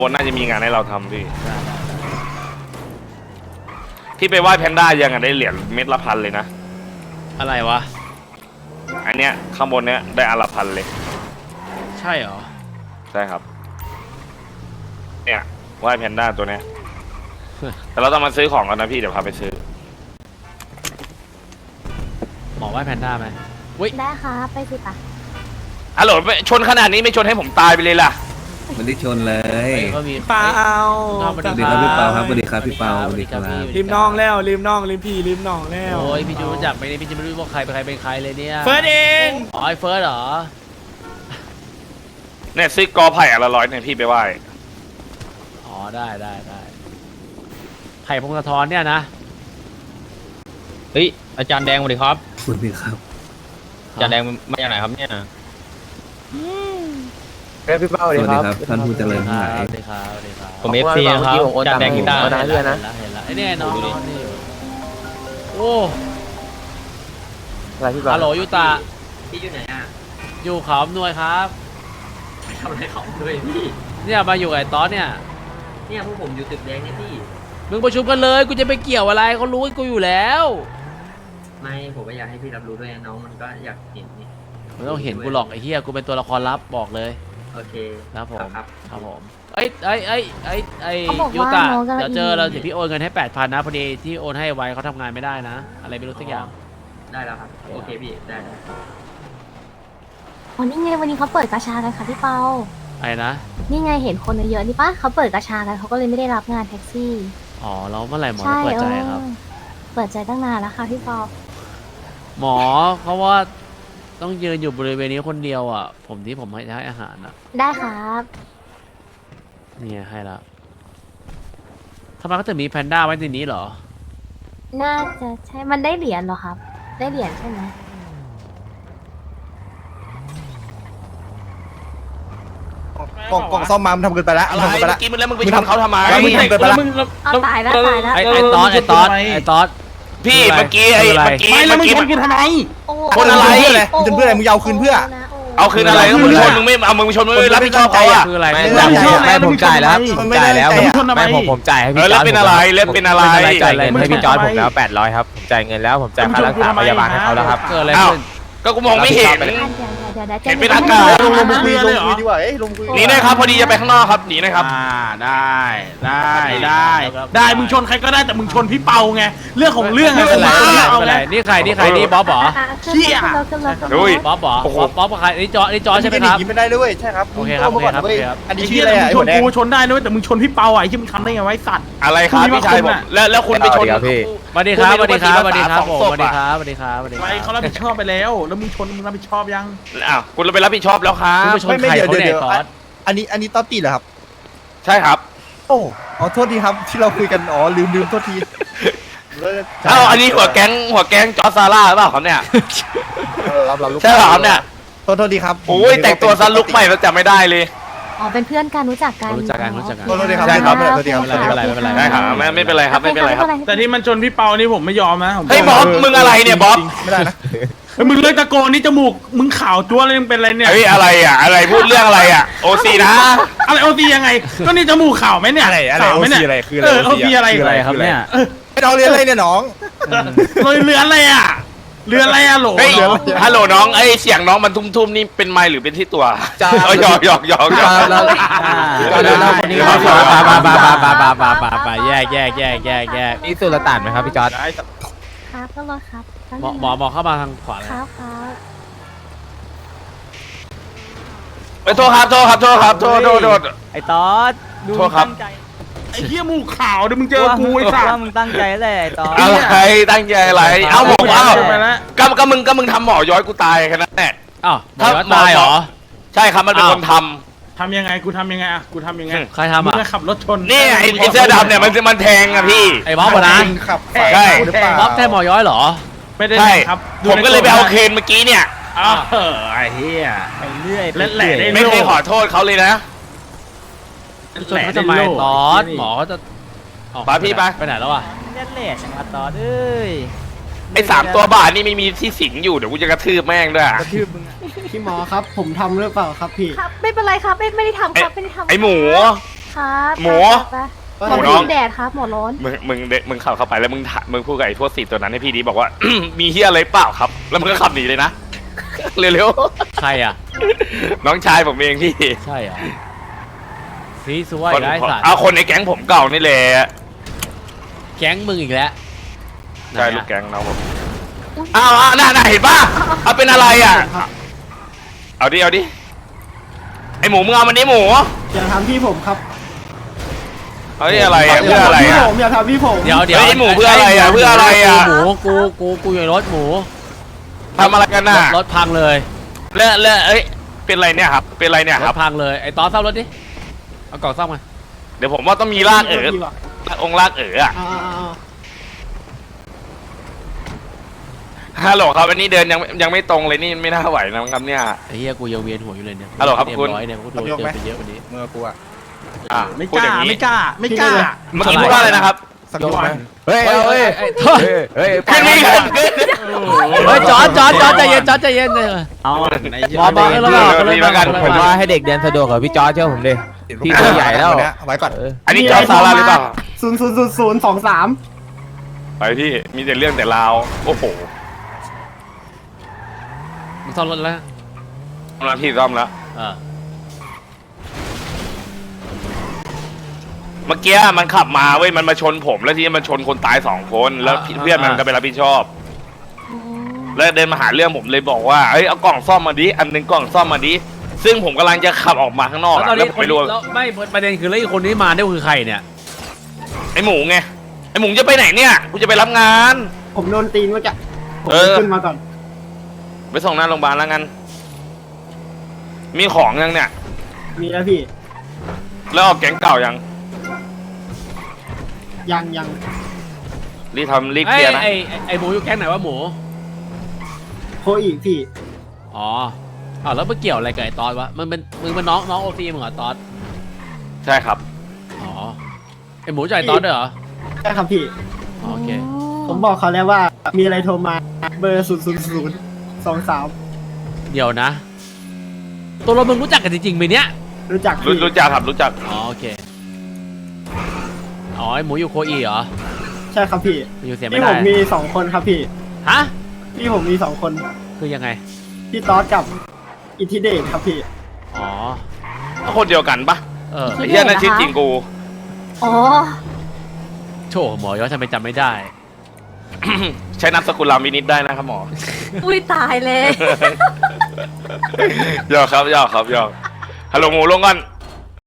บนน่าจะมีงานให้เราทำพี่ที่ไปไหว้แพนด้ายังได้เหรียญเม็ดละพันเลยนะอะไรวะอันเนี้ยข้างบนเนี้ยได้อันละพันเลยใช่เหรอใช่ครับเนี่ยไหว้แพนด้าตัวเนี้ยแต่เราต้องมาซื้อของกันนะพี่เดี๋ยวพาไปซื้อหมอไหว้แพนด้าไหมอุ้ยได้ค่ะไปสิปะฮัลโหลชนขนาดนี้ไม่ชนให้ผมตายไปเลยล่ะมันได้ชนเลยก็มีเปล่าสวัสสวัสดีครับพี่เปาครับสวัสดีครับพี่เปาสวัสดีครับริมน้องแล้วริมน้องริมพี่ริมน้องแล้วโอ้ยพี่จูรู้จักไหมเนี่ยพี่จะไม่รู้ว่าใครเป็นใครเป็นใครเลยเนี่ยเฟิร์สเองอ๋อไอ้เฟิร์สเหรอเนี่ยซื้อกอไผ่อันละ100เนี่ยพี่ไปไหว้อ๋อได้ไผ่พงศธรเนี่ยนะเฮ้ยอาจารย์แดงสวัสดีครับสวัสดีครับอาจารย์แดงมาจากไหนครับเนี่ยสวัสดีครับท่านผู้เจริญทั้งหลายสวัสดีครับสวัสดีครับผมFC นะครับอาจารย์แดงกีตาร์เห็นแล้วไอ้เนี่ยน้องนี่โอ้อะไรพี่บ้าฮัลโหลยูตาพี่อยู่ไหนอ่ะอยู่เขาอำนวยครับทำอะไรเขาด้วยพี่เนี่ยมาอยู่กับไอ้ต๊อดเนี่ยเนี่ยพวกผมอยู่ตึกแดงเนี่ยพี่มึงประชุมกันเลยกูจะไปเกี่ยวอะไรเขารู้กูอยู่แล้วไม่ผมก็อยากให้พี่รับรู้ด้วยนะน้องมันก็อยากเห็นนี่ไม่ต้องเห็นกูหรอกไอ้เหี้ยกูเป็นตัวละครลับบอกเลยโอเคครับผมครับครับผมไอ้เขาบอกยูว่าตะน้องกำลังเดี๋ยวเจอเราเดี๋ยวพี่โอนเงินให้8,000นะพอดีที่โอนให้ไว้เขาทำงานไม่ได้นะ อะไรไม่รู้สักอย่างได้แล้วครับโอเคพี่ได้อ๋อนี่ไงวันนี้เขาเปิดกาชากันค่ะพี่เปาอะไรนะนี่ไงเห็นคนเยอะๆนี่ปะเขาเปิดกาชากันเขาก็เลยไม่ได้รับงานแท็กซี่อ๋อแล้วเมื่อไหร่หมอใช่จะเปิดใจครับเปิดใจตั้งนานแล้วค่ะพี่เปาหมอเขาว่าต้องยืนอยู่บริเวณนี้คนเดียวอ่ะผมให้อาหารอ่ะได้ครับเนี่ยให้ละทำไมเขาถึงมีแพนด้าไว้ในนี้เหรอน่าจะใช่มันได้เหรียญเหรอครับ ได้เหรียญใช่ไหมกล่องซ่อมมามันทำเกินไปแล้วอะไรทำเกินไปเมื่แล้วอกี้มึงแล้วมึงไปชนเขาทำไมมึงทำเกินไปแล้วเอาตายแล้วตายแล้วไอ้ต๊อดพี่เมื่อกี้คืออะไรเมื่อกี้โอ้คนอะไรมึงจะเพื่ออะไรมึงจะเอาคืนเพื่อเอาคืนอะไรก็มึงชนมึงไม่เอามึงชนมึงไม่รับผิดชอบเขาอ่ะคืออะไรไม่ผมจ่ายแล้วมันไม่ได้แล้วไม่ผมจ่ายให้เอพี่อจแล้อวร์ดเป็นอะไรแล้วเป็นอะไรจ่ายเงินให้พี่จอร์ดผมแล้ว800ครับผมจ่ายเงินแล้วผมจ่ายค่ารักษาพยาบาลให้เขาแล้วครับเกิดอะไรอ้าวขึ้นก็กูมองไม่เห็นเดี๋ยวเห็นเป็นอากาศลงคุยดีกว่าลงคุยหนีหนะครับพอดีจะไปข้างนอกครับหนีนะครับได้มึงชนใครก็ได้แต่มึงชนพี่เปาไงเรื่องของเรื่องไม่อะเป็นไรผมไม่เอาเป็นไงไรนี่ใครนี่บ๊อบเหรอเชี่ยขึ้นรถดุยบ๊อบเหรอโอ้โหบ๊อบกับใครนี่จอใช่ไหมครับกินไม่ได้ด้วยใช่ครับโอเคครับโอเคครับโอเคครับอันนี้ไอ้ชื่เหี้อย อะไรมึงอ่ะชนกูชนได้ด้วยแต่มึงชนพี่เปาอ่ะไอ้ที่มึงทำได้ไงไว้สัตว์อะไรครับพี่ชายผมแล้วคุณไปชนเดี๋ยวพี่สวัสดีครับสวัสดีครับสวัสดีครับสองผมศสพวัสดีอะครับสวัสดีครับสวัสดีคไปรับเขารับผิดชอบไปแล้วแล้วมึงชนมึงรับผิดชอบยังอ้าวคุณไปรับผิดชอบแล้วครัคุณบไปชนใครเขาเนี่ยตอดอันนี้ต๊อตตี้เหรอครับใช่ครับโอ้อ๋อโทษทีครับที่เราคุยกันอ๋อลืมโทษทีอ้าวอันนี้หัวแก๊งจอร์ซาร่าหรือเปล่าครับเนี่ยรับลูกใช่เหรอครับเนี่ยโทษทีครับโอ้ยแต่งตัวซันลุกใหม่แล้วจำไม่ได้เลยอ๋อเป็นเพื่อนกันรู้จักกันรู้จักกันโทษทีครับใช่ครับโทษทีครับไม่เป็นไรไม่เป็นไรได้ครับไม่เป็นไรครับไม่เป็นไรครับแต่ที่มันชนพี่เปานี่ผมไม่ยอมนะผมเฮ้ยบ๊อบมึงอะไรเนี่ยบ๊อบไม่ได้นะเฮ้ยมึงเลิกตะโกนนี่จมูกมึงขาวจั๊วเลยมึงเป็นอะไรเนี่ยเฮ้ยอะไรอ่ะอะไรพูดเรื่องอะไรอ่ะโอซีนะอะไรโอซียังไงก็นี่จมูกขาวไหมเนี่ยขาวไหมเนี่ยโอซีอะไรคืออะไรครับเนี่ยไอ้น้องเรียนอะไรเนี่ยน้องเรืออะไรอ่ะเรืออะไรอ่ะโหลเฮ้ยฮัลโหลน้องไอ้เสียงน้องมันทุ่มๆนี่เป็นไมค์หรือเป็นที่ตัวหยอกแล้วคนนี้ไปแยกนี่สุลต่านไหมครับพี่จอร์ดครับก็รถครับหมอเข้ามาทางขวาเลยครับไปโทษครับโทษไอ้ตอดดูโทษครับตั้งใจไอ้เหี้ยหมูขาวเดี๋ยวมึงเจอกูไอ้สัสว่ามึงตั้งใจแหละไอ้ตอดอะไรตั้งใจอะไรเอ้าบอกว่าไปแล้วก็มึงทำหมอย้อยกูตายแค่นั้นแหละอ้าวหมอตายเหรอใช่ครับมันเป็นคนททำยังไงกูทำยังไงอ่ะกูทำยังไงใครทำมึงอ่ะจะขับรถชนำนี่ไอ้เสื้อดำเนี่ยมันแทงอะพี่ไอ้บ๊อบนะขับใช่หรือเปล่าบ๊อบแทนหมอย้อยเหรอไม่ได้ใช่ครับผมก็เลยไปเอาเคนเมื่อกี้เนี่ยอ้าวไอ้เหี้ยไปเรื่อยและแหละได้ไม่เคยขอโทษเขาเลยนะชนเขาจะมาตอดหมอเขาจะไปพี่ไปไปไหนแล้วอ่ะเล่นแหละจังหวะตอดเอ้ยไอ้3 ตัวบาทนี่ไม่มีที่สิงอยู่เดี๋ยวกูจะกระทืบแม่งด้วยกระทืบมึงอะพี่หมอครับผมทำหรือเปล่าครับพี่ครับไม่เป็นไรครับไม่ได้ทำครับไม่ได้ทำไอ้หมูครับหมูไปๆหมูหมน้อองแดดครับหมอร้อนมึงขับเข้าไปแล้วมึงพูดกับไอ้พวกสีตัวนั้นให้พี่ดีบอกว่า มีเฮียอะไรเปล่าครับ แล้วมึงก็ขับหนีเลยนะ เร็วใครอ่ะๆ น้องชายผมเองพี่ใช่เหรอซีซัวคอีนกแล้วไอ้สัตว์เอาคนในแก๊งผมเก่านี่แหละแก๊งมึงอีกแล้วใช่ไหนอะลูกแก๊งน้องผมอ้าวน่าเห็นป่ะเอาเป็นอะไรอ่ะเอาดิไอหมูมึงเอามันดิหมูอย่าทำพี่ผมครับเอาดิอะไรอ่ะเพื่ออะไรพี่อ่ะผมอย่าทำพี่ผมเดี๋ยวเฮ้ยหมูเพื่ออะไรอะเพื่ออะไรอะหมูกูอยู่ในรถหมูทำอะไรกันน่ะรถพังเลยแล้วเอ้ยเป็นไรเนี่ยครับเป็นไรเนี่ยรครัถบพังเลยไอ้ตอนซ่อมรถดิเอากล่องซ่อมมาเดี๋ยวผมว่าต้องมีลากองค์ลากอ่ะ ฮัลโหลครับอันนี้เดินยังไม่ตรงเลยนี่ไม่น่าไหวนะครับเนี่ยไอ้เหี้ยกูยังเวียนหัวอยู่เลยเนี่ยฮัลโหลครับเต็มคุณร้อยเนี่ยกูโดนเจอไปเยอะกว่านี้เมื่อกูอะอ่ะไม่พูดกอล้าย่างนี้ไม่กล้าไม่กล้าเมื่อกี้พูดว่าอะไรนะครับสักยกไหมเฮ้ยเฮ้ยเฮ้ยเฮ้ยขึ้นนี่ขึ้นเฮ้ยจอดใจเย็นใจเย็นเลยเอาบอบแล้วก็ผมว่าให้เด็กเรียนสะดวกกับพี่จอร์จเชื่อผมดิ พี่ตัวใหญ่แล้วไว้ก่อนอันนี้จอซาร่าหรือเปล่า 00023 ไปพี่มีแต่เรื่องแต่ราวโอ้โหมึงซ่อมรถแล้วกำลังพี่ซ่อมแล้ว เมื่อกี้มันขับมาเว้ยมันมาชนผมแล้วทีนี้มันชนคนตาย2 คนแล้วเพื่อนมันก็ไปรับผิดชอบ แล้วเดินมาหาเรื่องผมเลยบอกว่าเอ้ยเอากล่องซ่อมมาดิอันหนึงกล่องซ่อมมาดิซึ่งผมกำลังจะขับออกมาข้างนอกแล้วตอนแล้วนี้ผมไม่รู้แล้วไม่ประเด็นคือแล้วอีกคนที่มาเนี่ยคือใครเนี่ยไอหมูไงไอหมูจะไปไหนเนี่ยกูจะไปรับงานผมโดนตีนเมื่อกี้ผมเออขึ้นมาก่อนไปส่งหน้าโรงพยาบาลแล้วกันมีของยังเนี่ยมีแล้วพี่แล้วออกแก๊งเก่ายังยังรีบทำรีบเคลียร์นะไอ้หมูอยู่แก๊งไหนวะหมูโคอีกพี่อ๋อแล้วมันเกี่ยวอะไรกับไอ้ตอดวะมึงเป็นน้องโอซีมึงเหรอตอดใช่ครับอ๋อไอ้หมูจ่ายตอดด้วยเหรอใช่ครับพี่อ๋อโอเคผมบอกเขาแล้วว่ามีอะไรโทรมาเบอร์00023 เดี๋ยวนะ ตัวเรามึงรู้จักกันจริงๆไหมเนี่ยรู้จักพี่รู้จักครับรู้จักอ๋อโอเคอ๋อไอ้หมูอยู่โคอีเหรอใช่ครับพี่อยู่เสียไม่พี่ผได้มมี2 คนครับพี่ฮะพี่ผมมี2 คนคือยังไงพี่ต๊อดกับอิทธิเดชครับพี่อ๋อคนเดียวกันปะเออไอ้เหี้ยนั่นชื่อจริงกูอ๋อโถหมอย้อนทำไมจำไม่ได้ใช้นามสกุลรามินิดได้นะครับหมออุ้ยตายเลยหยอกครับหยอกฮัลโหลหมูลงก่อน